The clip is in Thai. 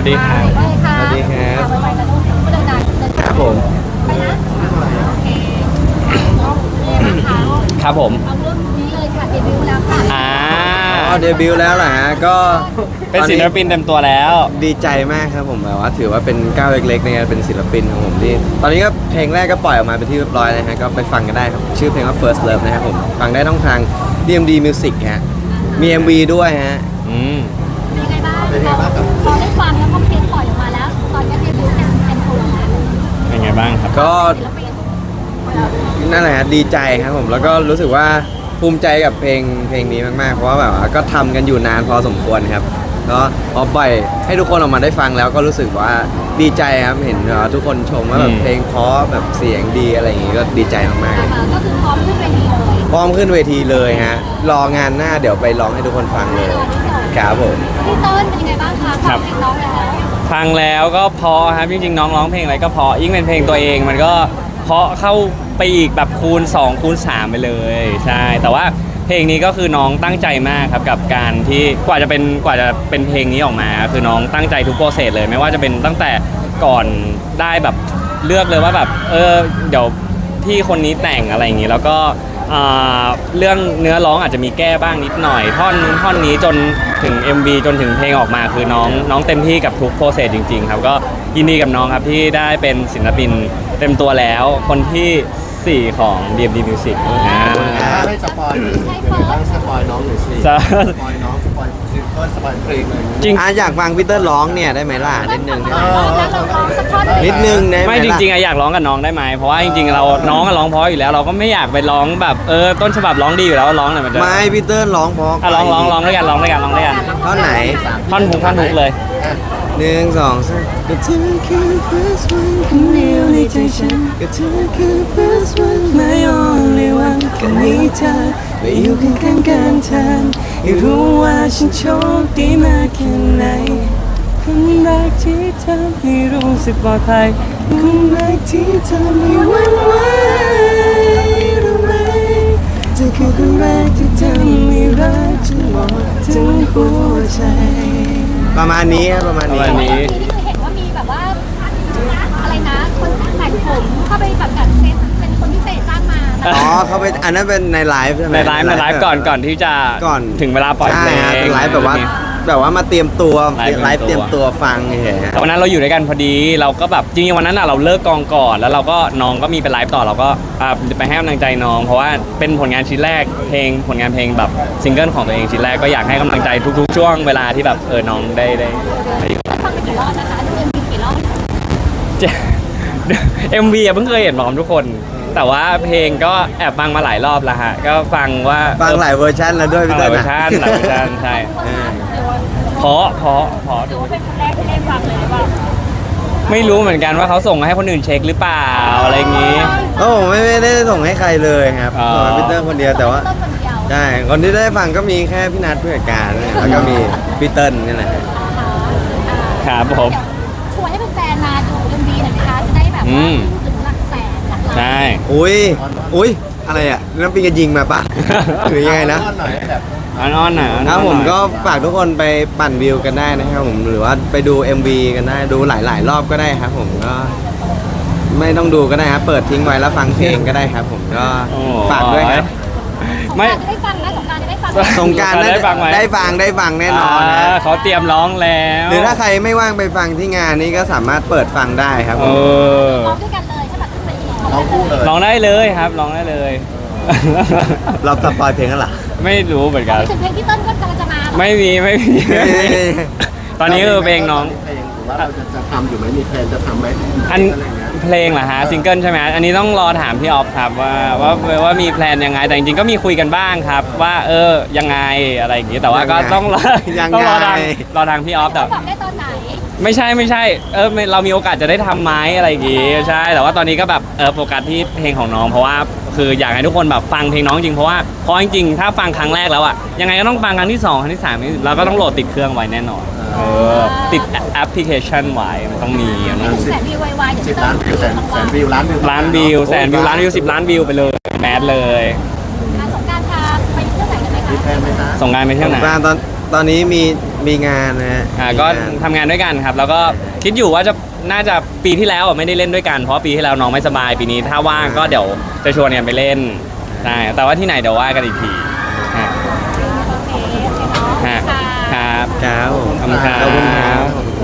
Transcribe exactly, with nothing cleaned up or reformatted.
ดีครับสวัสดีครับไปๆกันลูกเดินดังเดินครับผมไปนะโอเคนี่นะคะครับผมเอาเรื่องนี้เลยค่ะเดบิวต์แล้วค่ะอ่าอ๋อเดบิวต์แล้วเหรอฮะก็เป็นศิลปินเต็มตัวแล้วดีใจมากครับผมแบบว่าถือว่าเป็นก้าวเล็กๆในการเป็นศิลปินของผมที่ตอนนี้ก็เพลงแรกก็ปล่อยออกมาเป็นที่เรียบร้อยนะฮะก็ไปฟังกันได้ครับชื่อเพลงว่า First Love นะครับผมฟังได้ต้องทาง ดี เอ็ม ดี Music ฮะมี เอ็ม วี ด้วยฮะอืมเป็นยังไงบ้างพอได้ฟังแล้วพอเพลงปล่อยออกมาแล้ว ตอนนี้เดบิวต์เป็นเป็นตัวแล้วเป็นไงบ้างครับก็ศิลปินนั่นแหละฮะดีใจครับผมแล้วก็รู้สึกว่าภูมิใจกับเพลงเพลงนี้มากๆเพราะว่าแบบว่าก็ทำกันอยู่นานพอสมควรครับก็พอปล่อยให้ทุกคนออกมาได้ฟังแล้วก็รู้สึกว่าดีใจครับเห็นว่าทุกคนชมว่าแบบเพลงเพราะแบบเสียงดีอะไรอย่างงี้ก็ดีใจมากๆเลยนะคะก็คือพร้อมขึ้นเวทีเลยพร้อมขึ้นเวทีเลยฮะรองานหน้าเดี๋ยวไปร้องให้ทุกคนฟังเลยครับผมพี่เติ้ลเป็นยังไงบ้างคะฟังเพลงน้องแล้วฟังแล้วก็เพราะครับจริงๆน้องร้องเพลงอะไรก็เพราะยิ่งเป็นเพลงตัวเองมันก็เพราะเข้าไปอีกแบบคูณสองคูณสามไปเลยใช่แต่ว่าเพลงนี้ก็คือน้องตั้งใจมากครับกับการที่กว่าจะเป็นกว่าจะเป็นเพลงนี้ออกมาคือน้องตั้งใจทุกโปรเซสเลยไม่ว่าจะเป็นตั้งแต่ก่อนได้แบบเลือกเลยว่าแบบเออเดี๋ยวพี่คนนี้แต่งอะไรอย่างนี้แล้วก็อ่าเรื่องเนื้อร้องอาจจะมีแก้บ้างนิดหน่อยท่อนนู้นท่อนนี้จนถึง เอ็ม วี จนถึงเพลงออกมาคือน้องน้องเต็มที่กับทุกโปรเซสจริงๆครับก็ยินดีกับน้องครับที่ได้เป็นศิลปินเต็มตัวแล้วคนที่สี่ของ ดี เอ็ม ดี Music นะถ้าให้สปอยเป็นไงบ้างสปอยน้องหน่อยสิสปอยน้องสปอยซิงเกิลสปอยเพลงเลยจริงอ่ะอยากฟังพีเตอร์ร้องเนี่ยได้ไหมล่ะนิดนึงได้ไหมแล้วเราร้องสักท่อนหนึ่งนิดนึงได้ไหมไม่จล่ะริงๆอะอยากร้องกับน้องได้ไหมเพราะว่าจริงๆเราน้องอะร้องเพราะอยู่แล้วเราก็ไม่อยากไปร้องแบบเออต้นฉบับร้องดีอยู่แล้วร้องหน่อยมันจะไม่พีเตอร์ร้องเพราะอ่ะร้องร้องร้องด้วยกันร้องด้วยกันร้องด้วยกันท่อนไหนท่อนฮุกท่อนฮุกเลยหนึ่งสองสามก็เธอคือ first one คนเดียวในใจฉันก็เธอคือ first one my only one แค่มีเธอมาอยู่ข้างๆกันเธอให้รู้ว่าฉันโชคดีมากแค่ไหนคนรักที่ทำให้รู้สึกปลอดภัยคนรักที่ทำให้หวันไหวรู้ไหมเธอคือคนแรกที่ทำให้รักจนหมดทั้งหัวใจประมาณนี้ครับประมาณประนี้มาณนี้ที่คือเห็นว่ามีแบบว่าอะไรนะคนแต่งผมเข้าไปแบบจัดเซตเป็นคนพิเศษจ้างมาอ๋อเขาไปอันนั้นเป็นในไลฟ์ใช่ไหมในไลฟ์ในไลฟ์ก่อนก่อนที่จะก่อนถึงเวลาปล่อยเพลงใช่เป็นไลฟ์แบบว่าแบบว่ามาเตรียมตัวไลฟ์ไลฟ์เตเตรีรียยมมตัตัว วฟังเฉยๆแต่วันนั้นเราอยู่ด้วยกันพอดีเราก็แบบจริงๆวันนั้นอะเราเลิกกองก่อนแล้วเราก็น้องก็มีไปไลฟ์ต่อเราก็อ่าไปให้กำลังใจน้อง เพราะว่าเป็นผลงานชิ้นแรกเพลงผลงานเพลงแบบซิงเกิลของตัวเองชิ้นแรกก็อยากให้กำลังใจทุกๆ ช่วงเวลาที่แบบเออน้องได้ได้ได้ฟังไปกี่รอบนะคะดูเอ็มวีกี่รอบเอ็มวีอะเพิ่งเคยเห็นพร้อมทุกคน แต่ว่าเพลงก็แอบฟังมาหลายรอบแล้วฮะก็ฟังว่าฟังหลายเวอร์ชันแล้วด้วยฟัพี่งหเต้ลายลเวอร์ชันหลายเวอร์ชันใช่เออเพราะเพราะเพราะหรือว่าเป็นคนแรกที่ได้ฟังเลยหรือเปล่าไม่รู้เหมือนกันว่าเขาส่งมาให้คนอื่นเช็คหรือเปล่าอะไรอย่างงี้โอ้ผมไม่ไม่ได้ส่งให้ใครเลยครับอ๋อส่งให้พี่เต้ลคนเดียวแต่ว่าต้นคนเดียวใช่คนที่ได้ฟังก็มีแค่พี่นัทผู้จัดการเนี่ยแล้วก็มีพี่เติ้ลนี่แหละครับผมชวนให้แฟนๆมาดูเอ็มวีหน่อยนะคะจะได้แบบอืว่าม ถึงหลักแสนหลักล้านใช่อุ้ยอุ้ยอะไรอ่ะน้ำปิงกระยิงมาปะหรือยังไงนะหน่อยแบบอ้อนๆหน่อยอ้อนๆครับผมหน่อยก็ฝากทุกคนไปปั่นวิวกันได้นะครับผมหรือว่าไปดู เอ็ม วี กันได้ดูหลาย ๆ รอบก็ได้ครับผมก็ไม่ต้องดูก็ได้ครับเปิดทิ้งไว้แล้วฟังเพลงก็ได้ครับผมก็โอ้ฝากด้วยครับสงกไม่รานต์จะได้ฟังนะสงกรานต์จะได้ฟังสงกรารได้ฟังไหมได้ฟังได้ฟังแน่นอนนะาเขาเตรียมร้องแล้วหรือถ้าใครไม่ว่างไปฟังที่งานนี้ก็สามารถเปิดฟังได้ครับเอผมอร้องด้วยกันเลยใช่ไหมทุกเพลงน้องคู่เลยร้องได้เลยครับร้องได้เลยเราสปอยเพลงกันเหรอไม่รู้เหมือนกันถึงเพลงที่เต้นก็กำลังจะมาไม่มีไม่มีตอนนี้คือเพลงน้องเพลงหรือว่าเราจะจะทำอยู่ไหมมีแพลนจะทำไหมอันอะไรเงี้ยเพลงเหรอฮะซิงเกิลใช่ไหมอันนี้ต้องรอถามพี่ออฟครับว่าว่าว่ามีแพลนยังไงแต่จริงๆก็มีคุยกันบ้างครับ ว่าเออยังไงอะไรอย่างงี้แต่ว่าก็ต้องรอยังต้องไงรอทางรอทางพี่ออฟแต่บอกได้ตอนไหนไม่ใช่ไม่ใช่เออไม่เรามีโอกาสจะได้ทำไหมอะไรอย่างงี้ใช่แต่ว่าตอนนี้ก็แบบเออโฟกัสที่เพลงของน้องเพราะว่าคืออยากให้ทุกคนแบบฟังเพลงน้องจริงเพราะว่าเพราะจริงๆถ้าฟังครั้งแรกแล้วอะยังไงก็ต้องฟังครั้งที่สองครั้งที่สามเราก็ต้องโหลดติดเครื่องไว้แน่นอนเออติดแอปพลิเคชันไว้มันต้องมีอะไม่นะถึงแสนวิวไวๆอย่างสิบที่เต้ล้านนวิวแสนแสนวิวล้านวิวล้านวิวแสนวิวล้านวิวสิบล้านวิวไปเลยแมสเลยสงกรานต์พาไปเที่ยวไหนกันไหมคะมีแพลนไหมคะส่งงานไปเที่ยวไหนบ้านตอนตอนนี้มีมีงานนะฮะอ่าก็ทำงานด้วยกันครับ แล้วก็คิดอยู่ว่าจะน่าจะปีที่แล้วอ่ะไม่ได้เล่นด้วยกันเพราะปีที่แล้วน้องไม่สบายปีนี้ถ้าว่างก็เดี๋ยวจะชวนกันไปเล่นใช่แต่ว่าที่ไหนเดี๋ยวว่ากันอีกทีฮะโอเคโอเคเนาะฮะค่ะครับครับผมขอบคุณครับขอบคุณครับ